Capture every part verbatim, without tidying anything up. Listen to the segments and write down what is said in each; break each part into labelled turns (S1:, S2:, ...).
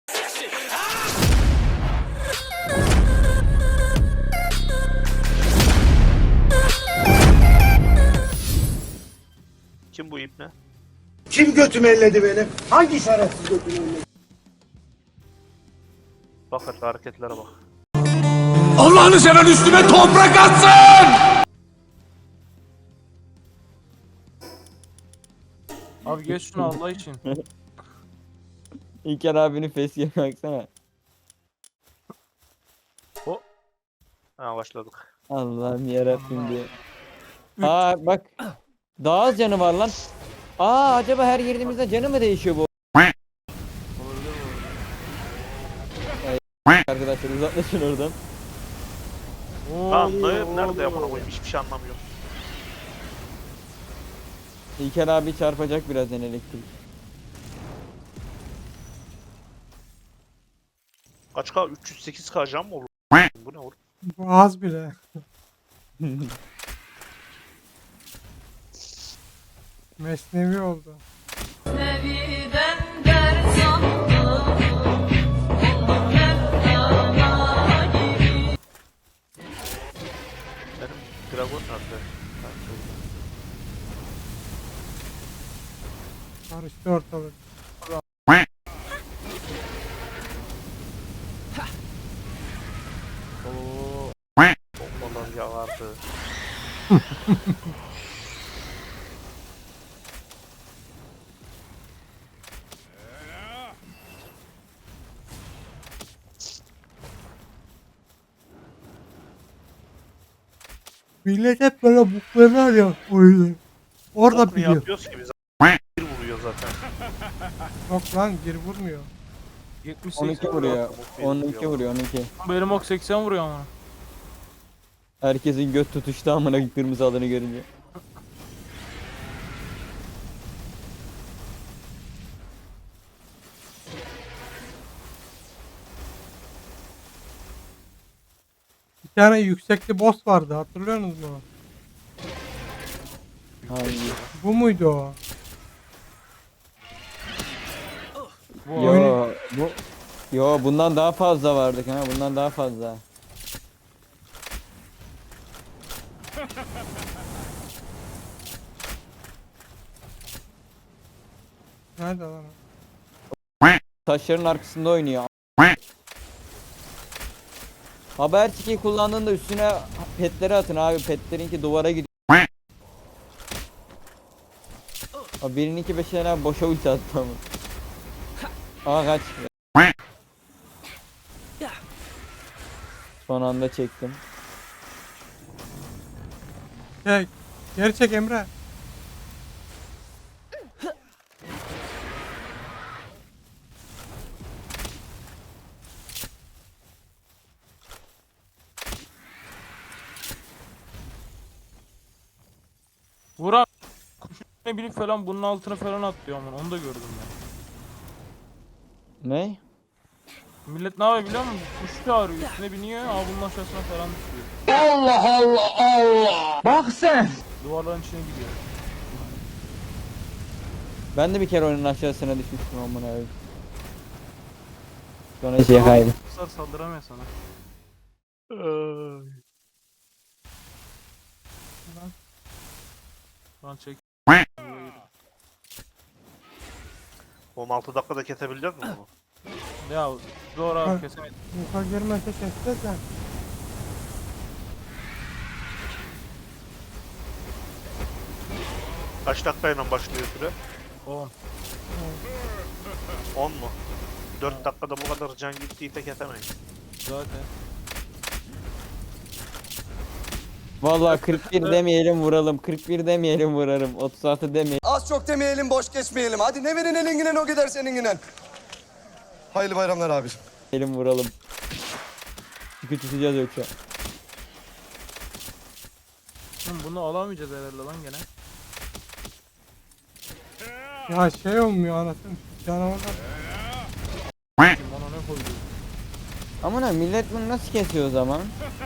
S1: Kim bu ip ne?
S2: Kim götümü elledi benim? Hangi şerefsiz götümü elledi?
S1: Bak hadi hareketlere bak.
S3: Allah'ını seven üstüme toprak atsın!
S4: Abi geç şunu Allah için.
S5: İlker abinin facecam'e baksana.
S1: Ha başladık.
S5: Allah'ım yarabbim diye. Aa bak. Daha az canı var lan. Aa acaba her girdiğimizde canı mı değişiyor bu? Arkadaşlar uzaklaşın oradan.
S1: Lan dayım nerede ya buna koyayım hiçbir şey anlamıyorum.
S5: İlker abi çarpacak birazdan elektrik.
S1: Kaç K? üç yüz sekiz K jam mı olur? Bu ne olur?
S6: Bu az bile. Mesnevi oldu.
S7: Neviden ders aldım, oldum Mevlana gibi.
S1: Benim dragon nerede? Ha, şurada.
S6: Karıştı ortalık.
S1: Oo. Bombalar yağardı.
S6: Millet hep böyle buklarlar ya oyunu. Orada
S1: Bokunu
S6: biliyor.
S1: yapıyoruz ki biz. Bir vuruyor zaten.
S6: Yok lan geri vurmuyor.
S4: yetmiş
S5: on iki
S4: seksen
S5: vuruyor.
S1: Bir
S5: on iki
S1: vuruyor.
S5: vuruyor on iki.
S4: Benim ok seksen vuruyor ama.
S5: Herkesin göt tutuştu amına kırmızı adını görünce.
S6: Bir tane yüksekli boss vardı hatırlıyorsunuz mu?
S5: Hangi?
S6: Bu muydu o?
S4: Bu
S5: Yo bu Yo bundan daha fazla vardık ha bundan daha fazla.
S6: Nerede lan o?
S5: Taşların arkasında oynuyor. Haber çiçeği kullandığında üstüne petleri atın abi. Petlerinki duvara gidiyor. Abi birininki beş tane boşa ulti attı ama. Aa kaç. Son anda çektim.
S6: Çek. Geri çek Emre.
S4: Vur abi. Ne bileyim falan bunun altına falan atlıyor ama onu da gördüm ben.
S5: Ne?
S4: Millet ne yapıyor biliyor musun? Kuş çağırıyor üstüne biniyor ama bunun aşağısına falan düşüyor.
S2: Allah Allah Allah! Bak sen!
S4: Duvarların içine gidiyor.
S5: Ben de bir kere oyunun aşağısına düşmüştüm amına abi. Sonra şey kaydı.
S4: Kuşlar saldıramıyor sana. Lan çek.
S1: on altı dakikada kesebilecek mi bunu?
S4: Ya zor abi
S6: Ha.
S4: kesemedim.
S6: Yuka girmese keseceğiz de.
S1: Kaç dakikayla başlıyor süre?
S4: on.
S1: on mu? dört dakikada bu kadar can gittiyse kesemeyiz.
S4: Zaten.
S5: Vallahi kırk bir demeyelim vuralım. kırk bir demeyelim vurarım. otuz altı demeyelim
S8: Az çok demeyelim, boş geçmeyelim. Hadi ne verin elinginen o gider seninginen. Hayırlı bayramlar abiciğim.
S5: vuralım. Çünkü tutacağız yoksa.
S4: Oğlum bunu alamayacağız herhalde lan gene.
S6: Ya şey olmuyor anasını. Canavarlar.
S4: Kim ona ne koydu?
S5: Amına millet bunu nasıl kesiyor o zaman?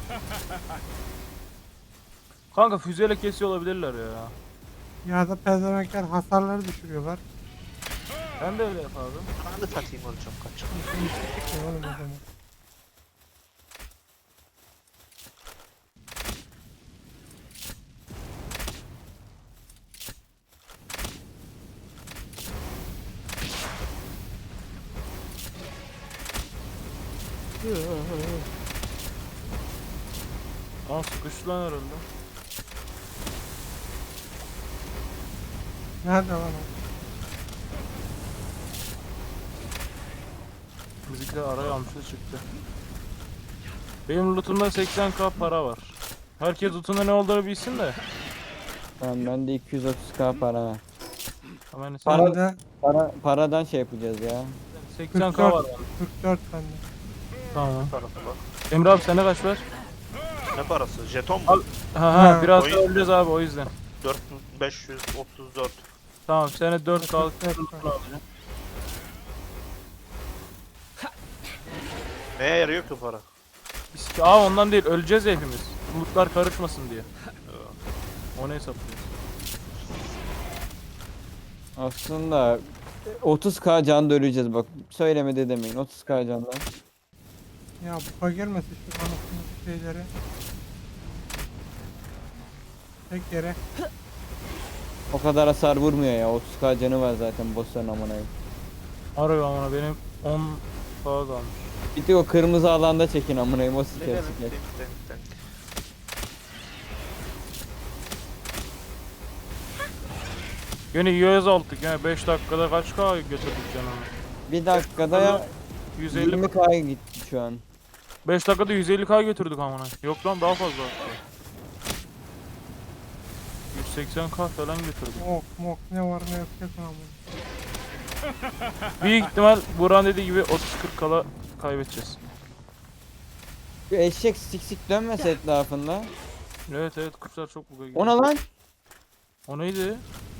S4: Kanka füzeyle kesiyor olabilirler ya.
S6: Ya da pezemekler hasarları düşürüyorlar.
S4: Ben de öyle yapardım.
S1: Ben de satayım olacağım kaç.
S6: Çıkmıyor oğlum o zaman.
S4: Aa sıkıştı lan herhalde.
S6: Nerede lan o?
S4: Müzikler araya almıştı çıktı. Benim lootumda seksen k para var. Herkes lootunda ne olduğunu bilsin de.
S5: Tamam bende iki yüz otuz k para var.
S4: Hemen
S5: Para-
S4: sen
S6: Bende
S5: Para, paradan şey yapacağız ya.
S4: seksen k var. Yani.
S6: kırk dört bende.
S4: Tamam.
S1: Parası var.
S4: Emre abi sende kaç var?
S1: Ne parası? Jeton
S4: Al.
S1: mu?
S4: Ha ha
S6: Ha,
S4: biraz
S1: oyun-
S4: daha öleceğiz abi o yüzden.
S1: dört bin beş yüz otuz dört.
S4: Tamam sene dört k
S6: kırk dört
S4: lootunu
S6: var.
S4: alacağım.
S1: Neye yarıyor ki para?
S4: Biz ki aa ondan değil öleceğiz ya hepimiz. Lootlar karışmasın diye. Onu hesaplıyoruz.
S5: Aslında otuz k can da öleceğiz bak. Söylemedi demeyin. otuz k candan.
S6: Ya buka gelmesin şu anasını şeyleri. Tek yere.
S5: O kadar hasar vurmuyor ya. otuz k canı var zaten bossların amına koyayım.
S4: Harbi amına benim on k kalmış.
S5: Bir tek o kırmızı alanda çekin amına koyayım. O
S1: Ne
S5: siker
S1: demek?
S5: siker.
S1: Denk, denk, denk.
S4: Yine yüz aldık yani beş dakikada kaç k götürdük canını?
S5: Bir dakikada ya
S4: yüz elli
S5: yirmi k gitti şu an.
S4: beş dakikada yüz elli k götürdük amına. Yok lan daha fazla hatta. yüz seksen k falan götürdük.
S6: Mok mok ne var ne yok yok lan bu.
S4: Büyük ihtimal Buran dediği gibi otuz kırk kala kaybedeceğiz.
S5: Şu eşek sik sik dönmese etrafında.
S4: Evet evet kuşlar çok buga gidiyor.
S5: Ona lan.
S4: O neydi?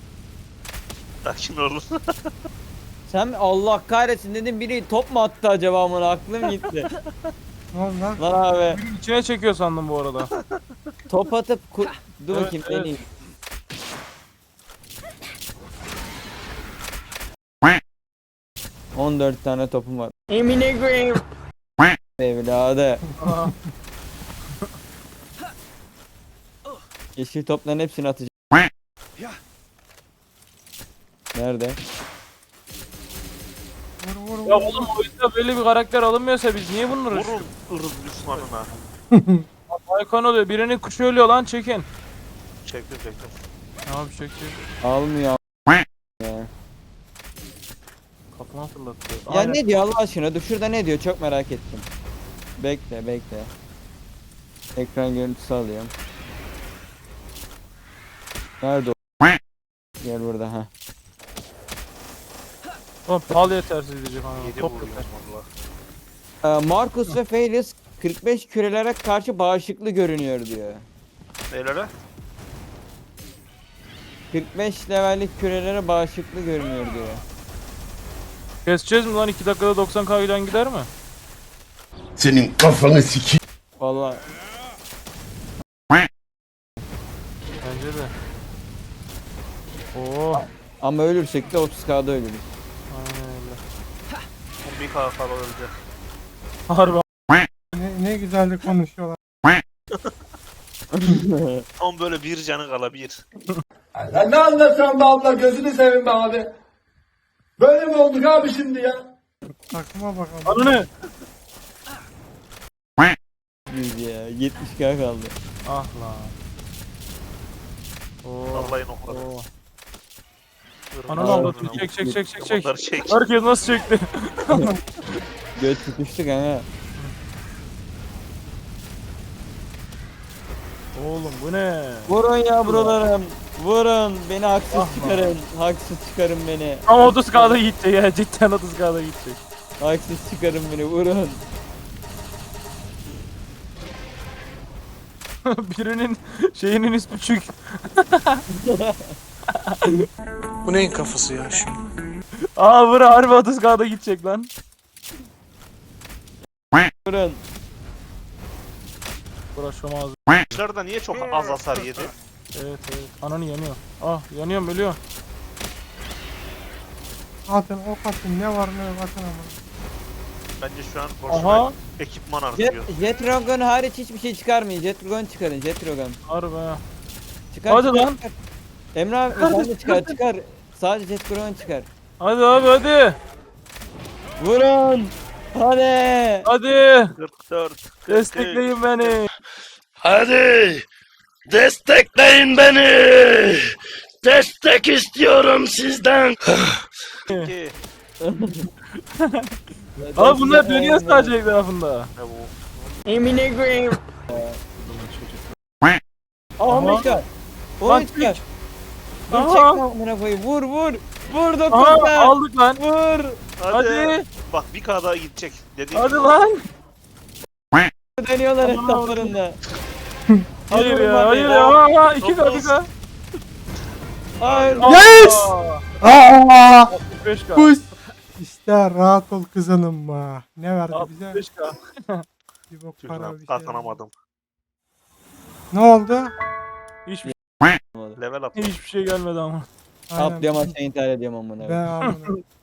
S1: Sakin olun.
S5: Sen mi? Allah kahretsin dedim biri top mu attı acaba amına aklım gitti.
S6: Ne oldu lan?
S5: Lan abi
S4: İçine çekiyor sandım bu arada.
S5: top atıp ku- dur
S4: Evet,
S5: bakayım
S4: evet.
S5: deneyeyim. on dört tane topum var. Emine koyayım. Evladı.
S4: Aa,
S5: Yeşil topların hepsini atacağım. Nerede?
S6: Vur vur vur.
S4: ya oğlum oyunda böyle bir karakter alınmıyorsa biz niye bunları
S1: Vurun ırz düşmanına.
S4: Aykan oluyor birinin kuşu ölüyor lan çekin.
S1: Çektim çektim.
S4: Abi çek çek.
S5: Almıyor. a- Ya.
S4: Kafama fırlattı.
S5: Ya
S4: Aynen.
S5: ne diyor Allah aşkına? Dur şurada ne diyor? Çok merak ettim. Bekle bekle. Ekran görüntüsü alıyorum. Nerede o? Gel burada ha.
S4: Oğlum pal yetersiz diyecek ama.
S1: Yedi
S4: Top
S1: vuruyorum
S4: yeter.
S1: valla.
S5: Ee, Marcus ve Felius kırk beş kürelere karşı bağışıklı görünüyor diyor.
S1: Neylere?
S5: kırk beş levellik kürelere bağışıklı görünüyor diyor.
S4: Keseceğiz mi lan iki dakikada doksan k giden gider mi?
S2: Senin kafanı sikeyim.
S5: Vallahi
S4: Bence de. Oo.
S5: ama ölürsek de otuz k'da ölürüz.
S4: Aynen öyle.
S1: Bu bir kahkaha olacak.
S4: Harbi.
S6: Ne, ne güzel de konuşuyorlar.
S1: Tam böyle bir canı kala bir.
S2: Sen ne anlatıyorsun be abla gözünü seveyim be abi. Böyle mi olduk abi şimdi ya?
S6: Takıma bakalım.
S4: Anı ne?
S5: yüz ya yetmiş k kaldı.
S4: Ah lan. Oo.
S1: Vallahi nokladı.
S4: Oo.
S1: Irmağın
S4: Ananı avladı.
S1: ırmağın.
S4: Çek çek çek çek çek.
S1: Bunları çek.
S4: Herkes nasıl çekti?
S5: Göt tutuştuk ha.
S4: Oğlum bu ne?
S5: Vurun yavrularım. Vurun. Beni haksız çıkarın. Haksız çıkarın beni.
S4: Ama otuz k'da gidecek ya cidden otuz k'da gidecek.
S5: Haksız çıkarın beni. Vurun.
S4: Birinin şeyinin ismi çük.
S3: Bu neyin kafası ya şimdi?
S4: Aa bura harbi otuz k'da gidecek lan.
S5: Vurun.
S4: Bura şu ağzı.
S1: Dışarıda niye çok az hasar yedi?
S4: Evet evet. Ananı yanıyor. Ah yanıyorum ölüyor.
S6: Atın ok atın ne var ne yok atın ama.
S1: Bence şu an boşuna
S4: Aha.
S1: ekipman
S5: Jet,
S1: harcıyor.
S5: Jet Dragon hariç hiçbir şey çıkarmayın. Jet Dragon çıkarın. Jet Dragon.
S4: Harbi ha.
S5: Çıkar,
S4: Hadi
S5: çıkar,
S4: lan.
S5: çıkar. Emre abi sen de çıkar çıkar. Sadece Jet Dragon çıkar.
S4: Hadi abi hadi.
S5: Vurun. Hadi.
S4: Hadi.
S1: kırk dört.
S4: Destekleyin beni.
S9: Hadi destekleyin beni. Destek istiyorum sizden.
S1: iki.
S4: Abi bunlar dönüyor sadece etrafında.
S1: Ne bu?
S5: Emine koyayım. Aha
S4: Aha.
S5: çıkar.
S4: Lan
S5: Oy çıkar. Dur
S4: Aha.
S5: çekme amına koyayım. Vur vur. Vur
S4: Aha
S5: dokunma.
S4: aldık lan.
S5: Vur.
S1: Hadi.
S4: Hadi.
S1: Bak bir K daha gidecek. Dediğim
S4: Hadi
S1: gibi.
S4: lan.
S5: Dönüyorlar
S4: Aman
S5: etraflarında.
S4: Hayır
S5: Vurun
S4: ya
S5: hadi.
S4: hayır ya. Aha iki K bir K.
S5: Hayır.
S6: Yes! Aa!
S4: altmış beş K.
S6: Bu işte rahat ol kızanım be. Ne verdi bize?
S4: altmış beş K.
S6: Bir bok
S1: Tüh
S6: para
S1: lan,
S6: bir şey.
S1: kazanamadım.
S6: Ne oldu?
S4: Hiçbir,
S1: Level atla.
S4: hiçbir şey gelmedi ama.
S6: Aynen.
S5: Atlıyorum aşağı intihar ediyorum amına.
S6: Ben amına.